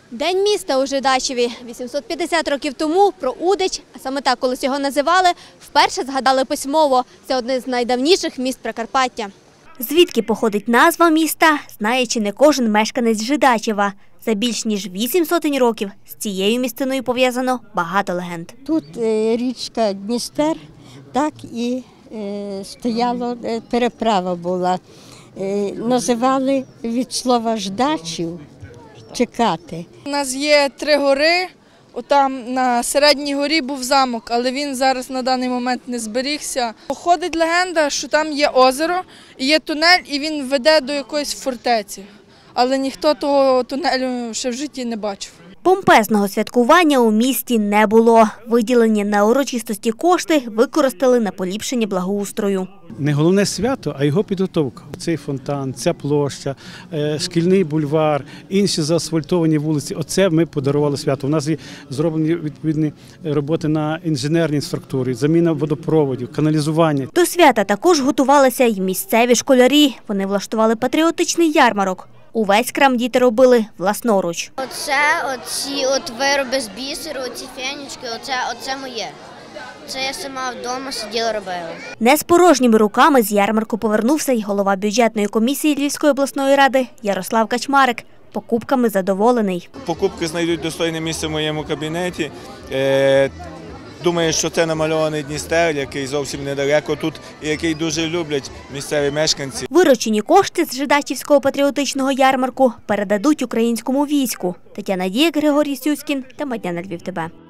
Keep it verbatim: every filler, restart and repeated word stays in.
День міста у Жидачеві. вісімсот п'ятдесят років тому про Удич, а саме так колись його називали, вперше згадали письмово. Це одне з найдавніших міст Прикарпаття. Звідки походить назва міста, знає чи не кожен мешканець Жидачева. За більш ніж вісім сотень років з цією місциною пов'язано багато легенд. Тут е, річка Дністер, так і е, стояла, е, переправа була. Е, називали від слова «ждачів» – чекати. У нас є три гори, отам на середній горі був замок, але він зараз на даний момент не зберігся. Ходить легенда, що там є озеро, і є тунель, і він веде до якоїсь фортеці. Але ніхто того тунелю ще в житті не бачив. Помпезного святкування у місті не було. Виділені на урочистості кошти використали на поліпшення благоустрою. Не головне свято, а його підготовка. Цей фонтан, ця площа, шкільний бульвар, інші заасфальтовані вулиці. Оце ми подарували свято. У нас є зроблені відповідні роботи на інженерній структурі, заміна водопроводів, каналізування. До свята також готувалися й місцеві школярі. Вони влаштували патріотичний ярмарок. Увесь крам діти робили власноруч. Оце, оці от вироби з бісеру, оці фенічки, оце, оце моє. Це я сама вдома сиділа, робила. Не з порожніми руками з ярмарку повернувся й голова бюджетної комісії Львівської обласної ради Ярослав Качмарик. Покупками задоволений. Покупки знайдуть достойне місце в моєму кабінеті. Думаю, що це намальований Дністер, який зовсім недалеко тут і який дуже люблять місцеві мешканці. Виручені кошти з Жидачівського патріотичного ярмарку передадуть українському війську. Тетяна Дієк, Григорій Сюськін, Тема дня на Львів ТВ.